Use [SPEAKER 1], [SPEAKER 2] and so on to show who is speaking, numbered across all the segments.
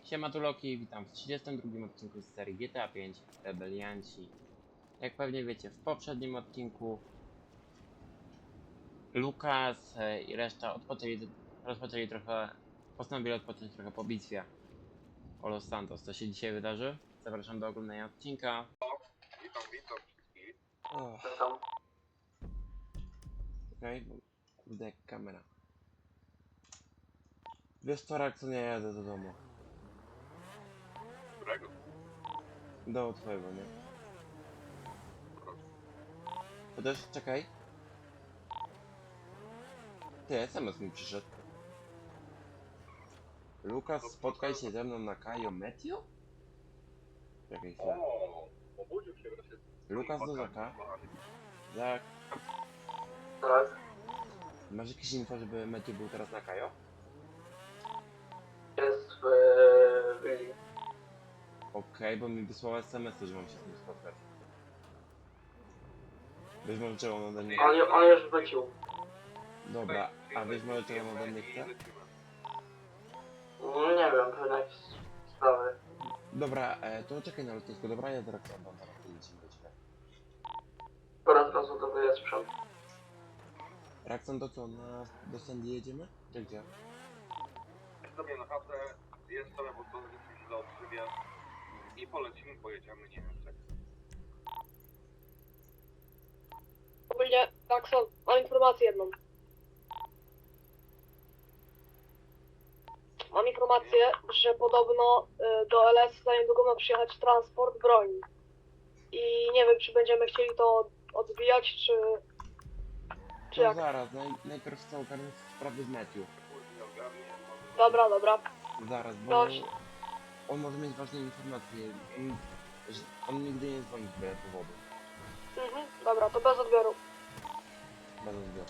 [SPEAKER 1] Siema tu Loki, witam w 32 odcinku z serii GTA 5 Rebelianci. Jak pewnie wiecie, w poprzednim odcinku Lukas i reszta postanowili odpocząć trochę po bitwie o Los Santos. Co się dzisiaj wydarzy? Zapraszam do oglądania odcinka.
[SPEAKER 2] Witam wszystkich.
[SPEAKER 1] Okej, bo kurde jak kamera. Wiesz co, Rakson, ja jadę do domu.
[SPEAKER 2] Którego?
[SPEAKER 1] Do twojego, nie? To też, czekaj. Ty, SMS mi przyszedł. Lukas, spotkaj się ze mną na Cayo Meteo? Czekaj chwilę.
[SPEAKER 2] O, obudził się wreszcie.
[SPEAKER 1] Lukas do Zaka. Zak,
[SPEAKER 3] Tak.
[SPEAKER 1] masz jakieś info, żeby Meteo był teraz na Cayo?
[SPEAKER 3] Jest w Willi.
[SPEAKER 1] Okej, bo mi wysłała SMS, że mam się z nim spotkać. Wiesz może czego on ode mnie...
[SPEAKER 3] On już wrócił.
[SPEAKER 1] Dobra, a wiesz może czego on ode mnie chce?
[SPEAKER 3] Nie wiem, pewnie jakieś sprawy.
[SPEAKER 1] Dobra, to czekaj na lotnisku, dobra? Ja zaraz oddam, zaraz lecimy do ciebie.
[SPEAKER 3] Teraz rozładowuję sprzęt.
[SPEAKER 1] Rakson, to co, do Sandy jedziemy? Czy gdzie?
[SPEAKER 2] Jest sobie na chatę, jest sobie, bo to się źle odżywia. I polecimy, pojedziemy, nie wiem czego.
[SPEAKER 4] Ogólnie, Rakson, mam informację jedną. Mam informację, że podobno do LS za niedługo ma przyjechać transport broni. I nie wiem, czy będziemy chcieli to odbijać, czy
[SPEAKER 1] To
[SPEAKER 4] jak.
[SPEAKER 1] zaraz, najpierw chcę ogarnąć sprawy z Matthew.
[SPEAKER 2] Kurde, ogarnie, może...
[SPEAKER 4] Dobra.
[SPEAKER 1] Zaraz, bo
[SPEAKER 4] Dobrze.
[SPEAKER 1] on może mieć ważne informacje. On nigdy nie dzwoni z byle powodu.
[SPEAKER 4] Dobra, to bez odbioru.
[SPEAKER 1] Bez odbioru.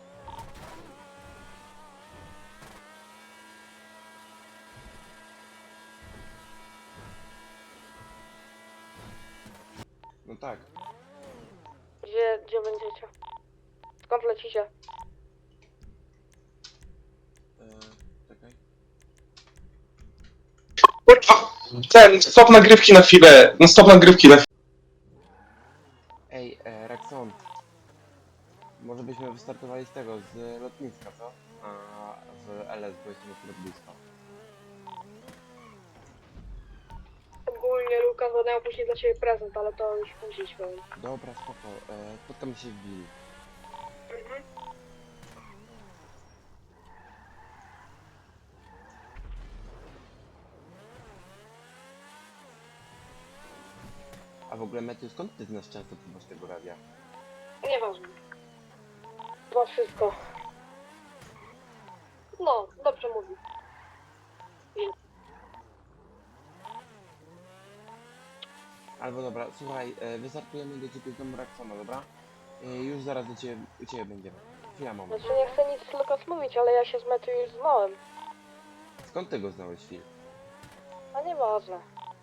[SPEAKER 1] No tak.
[SPEAKER 4] Gdzie będziecie? Skąd lecicie?
[SPEAKER 1] Czekaj.
[SPEAKER 5] Ten, stop nagrywki na chwilę. No stop nagrywki na chwilę.
[SPEAKER 1] Ej, Rakson. Może byśmy wystartowali z tego, z lotniska, co? A w LS, bo jestem akurat blisko.
[SPEAKER 4] Ogólnie, Lukas, będę miał później dla ciebie prezent, ale to już później powiem.
[SPEAKER 1] Dobra, spoko. Spotkamy się w Willi. A w ogóle, Matthew, skąd ty znasz częstotliwość tego radia?
[SPEAKER 4] Nieważne. Chyba wszystko. No, dobrze mówi.
[SPEAKER 1] Albo dobra, słuchaj, wystartujemy do ciebie z domu Raksona, dobra? Już zaraz u ciebie będziemy. Chwila, moment.
[SPEAKER 4] Znaczy nie chcę nic Lukas mówić, ale ja się z Matthew już znałem.
[SPEAKER 1] Skąd ty go znałeś, Phil?
[SPEAKER 4] A nieważne.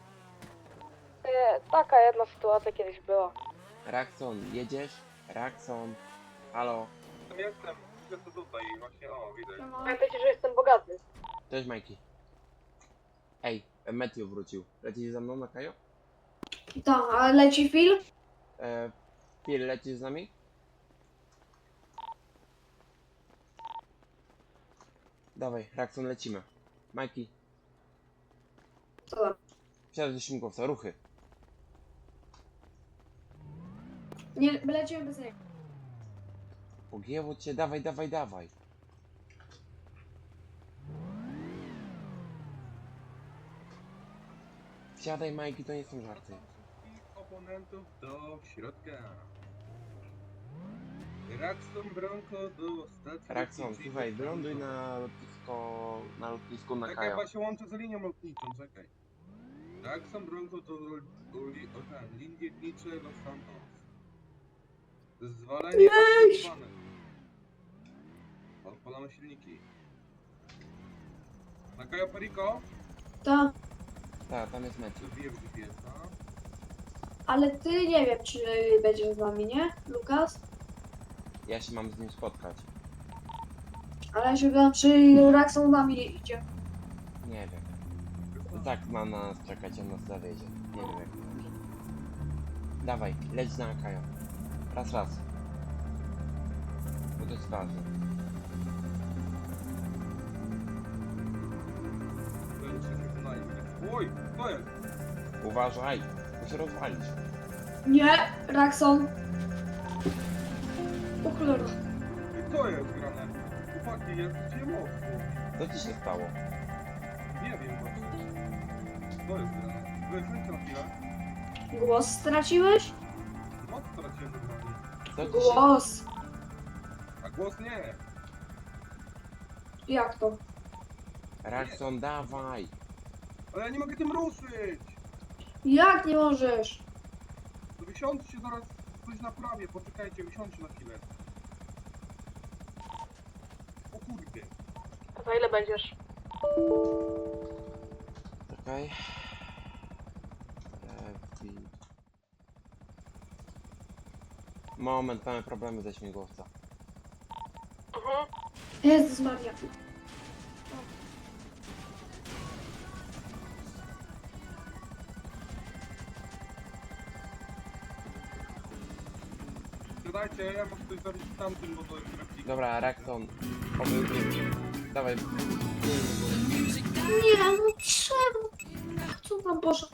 [SPEAKER 4] Taka jedna sytuacja kiedyś była.
[SPEAKER 1] Rakson, jedziesz? Rakson. Halo.
[SPEAKER 2] Jestem tutaj, właśnie, o, widać.
[SPEAKER 4] Pamiętajcie, że jestem bogaty.
[SPEAKER 1] Cześć, Majki. Ej, Matthew wrócił. Lecisz ze mną na Kajo?
[SPEAKER 6] Tak, a leci film?
[SPEAKER 1] Phil, lecisz z nami? Dawaj, Rakson, lecimy. Majki,
[SPEAKER 6] Co tam?
[SPEAKER 1] wsiadaj do śmigłowca, ruchy.
[SPEAKER 6] Nie, lecimy bez niego.
[SPEAKER 1] Pogięło cię, dawaj. Wsiadaj, Majki, to nie są żarty.
[SPEAKER 2] Oponentów do środka. Raxton Bronco do stacji.
[SPEAKER 1] Rakson,
[SPEAKER 2] lotniczej.
[SPEAKER 1] słuchaj, wyląduj na lotnisku na
[SPEAKER 2] Czekaj,
[SPEAKER 1] Kajo.
[SPEAKER 2] chyba się łączę z linią lotniczą, czekaj. Raxton Bronco do linii lotnicze Los Santos. Zezwolenie aktywowane. Odpalamy silniki. Na Cayo Perico?
[SPEAKER 6] Tak,
[SPEAKER 1] Tak, tam jest Matthew.
[SPEAKER 2] Zabiję w GPS-a.
[SPEAKER 6] ale ty nie wiem, czy będziesz z nami, nie, Lukas?
[SPEAKER 1] Ja się mam z nim spotkać.
[SPEAKER 6] Ale ja się pytam, czy Rakson z nami idzie.
[SPEAKER 1] Nie wiem. tak ma nas czekać, on nas zawiedzie. Nie wiem jak to będzie. Dawaj, leć na Akaja. Raz. Bo to jest ważne.
[SPEAKER 2] Oj, to jest!
[SPEAKER 1] Uważaj, bo się rozwalisz.
[SPEAKER 6] Nie, Rakson. O cholera.
[SPEAKER 2] To jest grane. Chłopaki, jest gdzie mocno.
[SPEAKER 1] Co ci się stało?
[SPEAKER 2] Nie wiem właśnie. To jest grane. Wyjdźcie na chwilę.
[SPEAKER 6] Głos straciłeś?
[SPEAKER 2] Moc straciłem do broni.
[SPEAKER 1] Co ci się...
[SPEAKER 6] Głos.
[SPEAKER 2] A głos nie.
[SPEAKER 6] Jak to?
[SPEAKER 1] Rakson, dawaj!
[SPEAKER 2] Ale ja nie mogę tym ruszyć.
[SPEAKER 6] Jak nie możesz?
[SPEAKER 2] To wysiądźcie zaraz coś naprawię. Poczekajcie, wysiądźcie na chwilę. O kurde.
[SPEAKER 4] Za ile będziesz?
[SPEAKER 1] Czekaj. Moment, mamy problemy ze śmigłowca.
[SPEAKER 4] Mhm.
[SPEAKER 6] Jezus Maria.
[SPEAKER 2] Siadajcie, ja muszę coś zrobić z tamtym, bo to jest replika.
[SPEAKER 1] Dobra, Rakson. Dawaj.
[SPEAKER 6] Nie, no czemu? Co tam poszedł?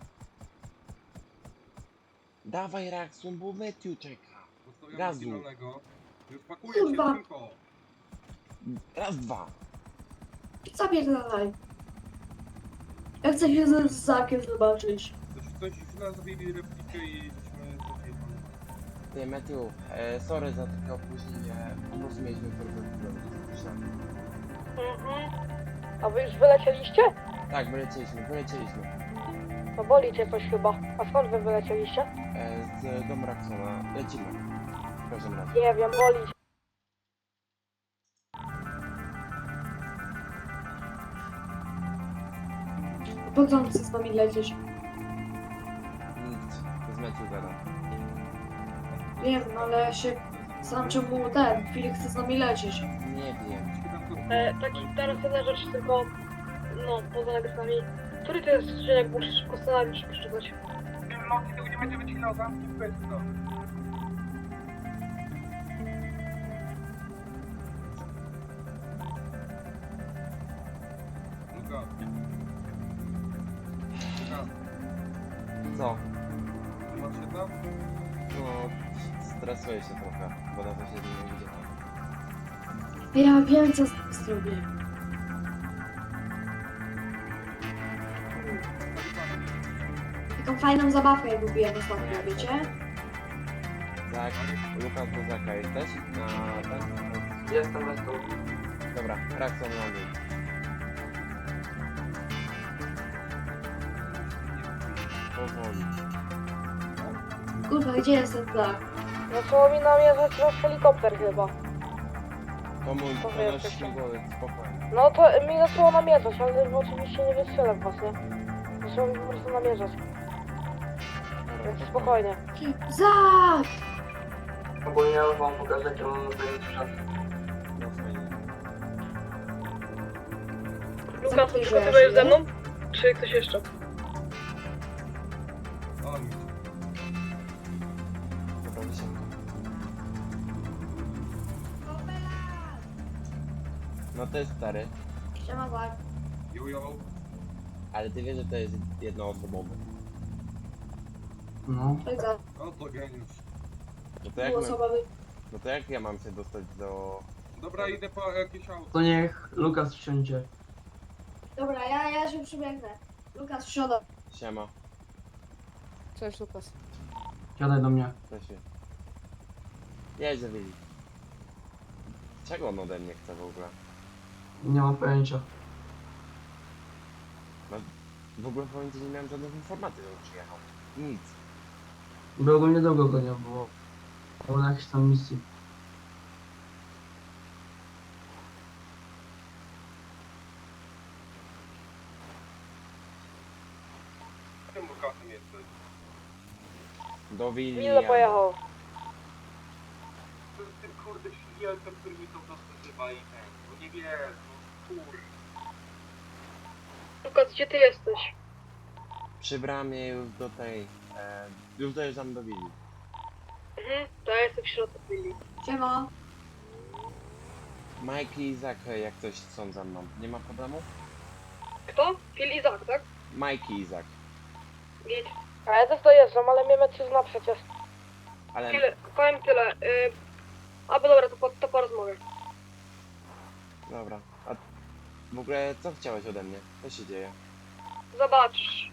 [SPEAKER 1] Dawaj, Rakson, bo Matthew czeka.
[SPEAKER 2] Zostawiam
[SPEAKER 1] Gazu.
[SPEAKER 2] zielonego. Już pakuję się
[SPEAKER 6] Kurwa.
[SPEAKER 2] tylko.
[SPEAKER 1] Raz, dwa.
[SPEAKER 6] Zapierdalaj. Ja chcę się z Zakiem zobaczyć.
[SPEAKER 2] Coś źle zrobili replikę i żeśmy zapierdolili.
[SPEAKER 1] Nie, Matthew, sorry za takie opóźnienie. Po prostu mieliśmy problem.
[SPEAKER 4] Mhm. A wy już wylecieliście?
[SPEAKER 1] Tak, wylecieliśmy.
[SPEAKER 4] No boli cię coś chyba. A skąd wy wylecieliście?
[SPEAKER 1] Z domu Raksona. Lecimy. W każdym razie.
[SPEAKER 4] Nie wiem, boli cię.
[SPEAKER 6] Po co on chce z nami lecieć?
[SPEAKER 1] Nic. Z Matthew gada.
[SPEAKER 6] Wiem, no ale ja się... Sam czemu ten Filip chce z nami lecieć?
[SPEAKER 1] Nie wiem.
[SPEAKER 4] Taki teraz jedna rzecz tylko, no, poza nagrywkami. Który to jest odcinek, bo muszę szybko scenariusz przeczytać.
[SPEAKER 2] No, tego nie będzie wycinał zamki w pysko. Luka. Luka,
[SPEAKER 1] Co?
[SPEAKER 2] ty masz się tam?
[SPEAKER 1] No, stresuję się trochę, bo na to się nie widziałem.
[SPEAKER 6] Ja wiem, co z tym zrobię. Taką fajną zabawkę kupiłem ostatnio, wiecie?
[SPEAKER 1] Tak, Lukas Buzaka jesteś? Na ten?
[SPEAKER 3] Jestem.
[SPEAKER 1] Dobra, Rakson ląduj. Powoli.
[SPEAKER 6] Kurwa, gdzie jest ten Zak?
[SPEAKER 4] Zaczęło mi namierzać nasz helikopter chyba.
[SPEAKER 1] To mój,
[SPEAKER 4] To
[SPEAKER 1] to
[SPEAKER 4] wiesz,
[SPEAKER 1] nasz
[SPEAKER 4] jak
[SPEAKER 1] śmigłowiec, spokojnie.
[SPEAKER 4] No to mi zaczęło namierzać, ale oczywiście nie wystrzelę w was, nie? Zaczęło mi po prostu namierzać,
[SPEAKER 1] Dobra,
[SPEAKER 4] więc spokojnie.
[SPEAKER 6] Zak!
[SPEAKER 3] Ogólnie ja wam pokażę, jakie mam zajęć sprzęt.
[SPEAKER 1] No fajnie.
[SPEAKER 4] Lukas,
[SPEAKER 6] Zamknij
[SPEAKER 4] tylko ty
[SPEAKER 6] drzwi,
[SPEAKER 4] będziesz ze
[SPEAKER 6] nie?
[SPEAKER 4] mną? Czy ktoś jeszcze?
[SPEAKER 2] O, nic.
[SPEAKER 1] Dobra, wysiadam. No to jest stary,
[SPEAKER 6] Siema Zak.
[SPEAKER 2] Jojo.
[SPEAKER 1] ale ty wiesz, że to jest jednoosobowy.
[SPEAKER 3] No.
[SPEAKER 6] Cześć Zak.
[SPEAKER 2] O, to geniusz.
[SPEAKER 1] No to jak,
[SPEAKER 6] Głos obawy.
[SPEAKER 1] no to jak ja mam się dostać do...
[SPEAKER 2] Dobra, idę po jakieś auto.
[SPEAKER 3] To niech Lukas wsiądzie.
[SPEAKER 6] Dobra, ja się przybiegnę. Lukas, wsiada.
[SPEAKER 1] Siema,
[SPEAKER 4] Cześć Lukas.
[SPEAKER 3] Siadaj do mnie.
[SPEAKER 1] to się... Jedź za Willi. Czego on ode mnie chce w ogóle?
[SPEAKER 3] Nie mam pojęcia.
[SPEAKER 1] W ogóle powiem ci, nie miałem żadnych informacji, że on przyjechał. Nic.
[SPEAKER 3] Bo ogólnie długo go nie było. Było na jakiejś tam misji.
[SPEAKER 2] Tym Lukasem jesteś.
[SPEAKER 1] Do Willi.
[SPEAKER 4] Milo pojechał.
[SPEAKER 2] To jest tym kurde śmiertem, który mi to nazywa i ten. No nie wiem, no kur...
[SPEAKER 4] Lukas, gdzie ty jesteś?
[SPEAKER 1] Przy bramie już do tej... już dojeżdżam do willi.
[SPEAKER 4] To ja jestem w środku willi.
[SPEAKER 6] Siema.
[SPEAKER 1] Mike i Izak jak coś są za mną. Nie ma problemu?
[SPEAKER 4] Kto? Phil i Zach, tak?
[SPEAKER 1] Mike i Izak.
[SPEAKER 4] Git.
[SPEAKER 7] A ja też dojeżdżam, ale mnie Matthew zna przecież.
[SPEAKER 1] Ale...
[SPEAKER 4] Powiem tyle. Bo dobra, to po rozmowie.
[SPEAKER 1] Dobra. A w ogóle co chciałeś ode mnie? Co się dzieje?
[SPEAKER 4] Zobaczysz.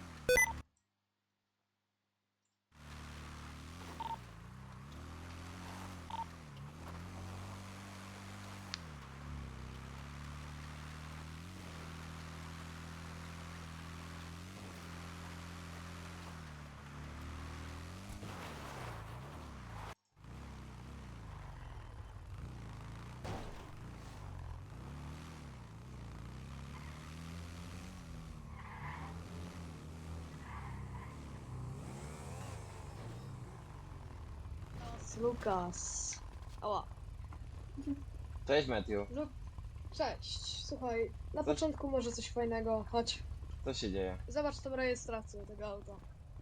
[SPEAKER 8] Lukas. Ała.
[SPEAKER 1] Cześć Matthew.
[SPEAKER 8] Cześć. Słuchaj, na początku może coś fajnego. Chodź,
[SPEAKER 1] Co się dzieje?
[SPEAKER 8] zobacz tą rejestrację tego auta.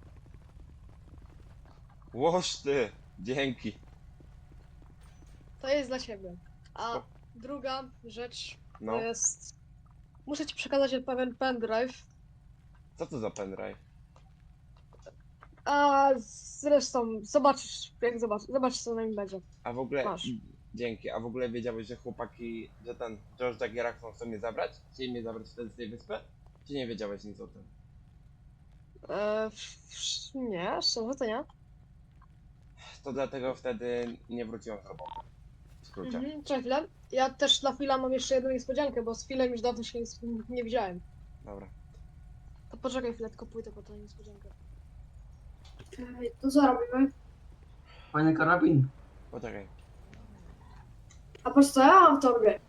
[SPEAKER 1] Łoż ty! Dzięki.
[SPEAKER 8] To jest dla ciebie. A
[SPEAKER 1] O.
[SPEAKER 8] druga rzecz
[SPEAKER 1] No.
[SPEAKER 8] to jest... Muszę ci przekazać pewien pendrive.
[SPEAKER 1] Co to za pendrive?
[SPEAKER 8] A zresztą zobaczysz, jak zobacz co na nim będzie.
[SPEAKER 1] A w ogóle...
[SPEAKER 8] Masz.
[SPEAKER 1] Dzięki. A w ogóle wiedziałeś, że chłopaki... Że ten... George Jaggerak chcą mnie zabrać? Chcieli mnie zabrać wtedy z tej wyspy? Czy nie wiedziałeś nic o tym?
[SPEAKER 8] Nie, szczerze to nie.
[SPEAKER 1] To dlatego wtedy nie wróciłem z roboty. W skrócie.
[SPEAKER 8] Czekaj chwilę. Ja też dla Phila mam jeszcze jedną niespodziankę, bo z Philem już dawno się nie widziałem.
[SPEAKER 1] Dobra.
[SPEAKER 8] To poczekaj chwilę, tylko pójdę po tą niespodziankę.
[SPEAKER 6] To co robimy?
[SPEAKER 3] Fajny karabin.
[SPEAKER 1] Poczekaj.
[SPEAKER 6] A po co ja mam w torbie?